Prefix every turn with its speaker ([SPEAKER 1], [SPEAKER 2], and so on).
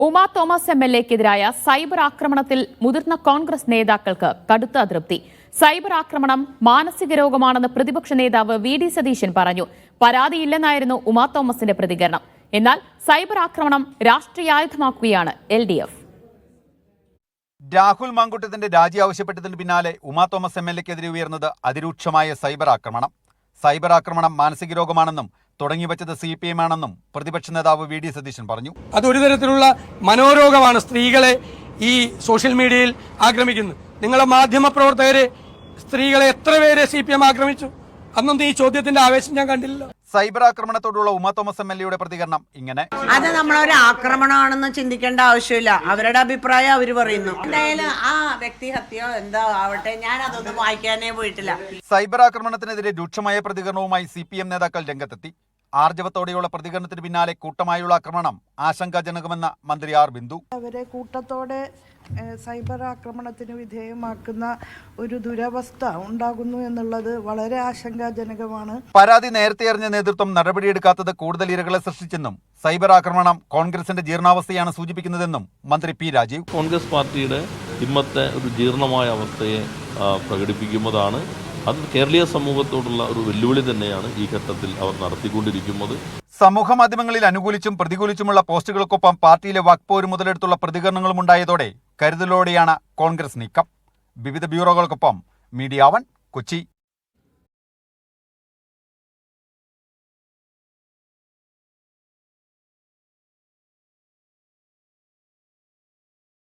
[SPEAKER 1] Uma Thomas എംഎൽഎക്കെതിരായ cyber ആക്രമണത്തിൽ മുതിർന്ന കോൺഗ്രസ് നേതാക്കൾക്ക് കടുത്ത അതൃപ്തി. സൈബർ ആക്രമണം മാനസിക രോഗമാണെന്ന് പ്രതിപക്ഷ നേതാവ് വി.ഡി. സതീശൻ പറഞ്ഞു. പരാതിയില്ലെന്നായിരുന്നു ഉമാ തോമസിന്റെ പ്രതികരണം. എന്നാൽ സൈബർ ആക്രമണം രാഷ്ട്രീയായുധമാക്കുകയാണ് LDF.
[SPEAKER 2] രാഹുൽ മാങ്കൂട്ടത്തിന്റെ രാജി ആവശ്യപ്പെട്ടതിന് പിന്നാലെ ഉമാ തോമസ് എംഎൽഎക്കെതിരെ ഉയർന്നത് അതിരൂക്ഷമായ സൈബർ ആക്രമണം. സൈബർ ആക്രമണം മാനസിക രോഗമാണെന്നും തുടങ്ങിവെച്ചത് CPM ആണെന്നും പ്രതിപക്ഷ നേതാവ് വി.ഡി. സതീശൻ പറഞ്ഞു.
[SPEAKER 3] അതൊരു തരത്തിലുള്ള മനോരോഗമാണ് സ്ത്രീകളെ ഈ സോഷ്യൽ മീഡിയയിൽ ആക്രമിക്കുന്നത്. നിങ്ങളെ മാധ്യമപ്രവർത്തകരെ സ്ത്രീകളെ എത്ര പേരെ CPM ആക്രമിച്ചു? അന്നൊന്നും ഈ ചോദ്യത്തിന്റെ ആവേശം ഞാൻ കണ്ടില്ല.
[SPEAKER 2] സൈബർ ആക്രമണത്തോടുള്ള ഉമാ തോമസ് എംഎൽഎയുടെ പ്രതികരണം ഇങ്ങനെ:
[SPEAKER 4] അത് നമ്മളൊരു ആക്രമണമാണെന്ന് ചിന്തിക്കേണ്ട ആവശ്യമില്ല. അവരുടെ അഭിപ്രായം അവർ പറയുന്നു. എന്തായാലും ആ വ്യക്തി ഹത്യോ എന്താ ആവട്ടെ, ഞാൻ അതൊന്നും വായിക്കാനേ പോയിട്ടില്ല.
[SPEAKER 2] സൈബർ ആക്രമണത്തിനെതിരെ രൂക്ഷമായ പ്രതികരണവുമായി CPM നേതാക്കൾ രംഗത്തെത്തി. ആർജവത്തോടെയുള്ള പ്രതികരണത്തിന് പിന്നാലെ കൂട്ടമായുള്ള ആക്രമണം ആശങ്കാജനകമെന്ന മന്ത്രി ആർ ബിന്ദു.
[SPEAKER 5] അവരെ കൂട്ടത്തോടെ സൈബർ ആക്രമണത്തിന് വിധേയമാക്കുന്ന ഒരു ദുരവസ്ഥ ഉണ്ടാകുന്നു എന്നുള്ളത് വളരെ ആശങ്കാജനകമാണ്.
[SPEAKER 2] പരാതി നേരത്തെ അറിഞ്ഞ നേതൃത്വം നടപടിയെടുക്കാത്തത് കൂടുതൽ ഇരകളെ സൃഷ്ടിച്ചെന്നും സൈബർ ആക്രമണം കോൺഗ്രസിന്റെ ജീർണാവസ്ഥയാണ് സൂചിപ്പിക്കുന്നതെന്നും മന്ത്രി പി രാജീവ്.
[SPEAKER 6] കോൺഗ്രസ് പാർട്ടിയുടെ ഇന്നത്തെ ഒരു ജീർണമായ അവസ്ഥയെ പ്രകടിപ്പിക്കുന്നതാണ്. അത് കേരളീയ സമൂഹത്തോടുള്ള ഒരു വെല്ലുവിളി തന്നെയാണ് ഈ ഘട്ടത്തിൽ അവർ നടത്തിക്കൊണ്ടിരിക്കുന്നത്.
[SPEAKER 2] സമൂഹ മാധ്യമങ്ങളിൽ അനുകൂലിച്ചും പ്രതികൂലിച്ചുമുള്ള പോസ്റ്റുകൾക്കൊപ്പം പാർട്ടിയിലെ വാക്പോര് മുതലെടുത്തുള്ള പ്രതികരണങ്ങളും ഉണ്ടായതോടെ കരുതലോടെയാണ് കോൺഗ്രസ് നീക്കം. വിവിധ ബ്യൂറോകൾക്കൊപ്പം മീഡിയ 1 കൊച്ചി.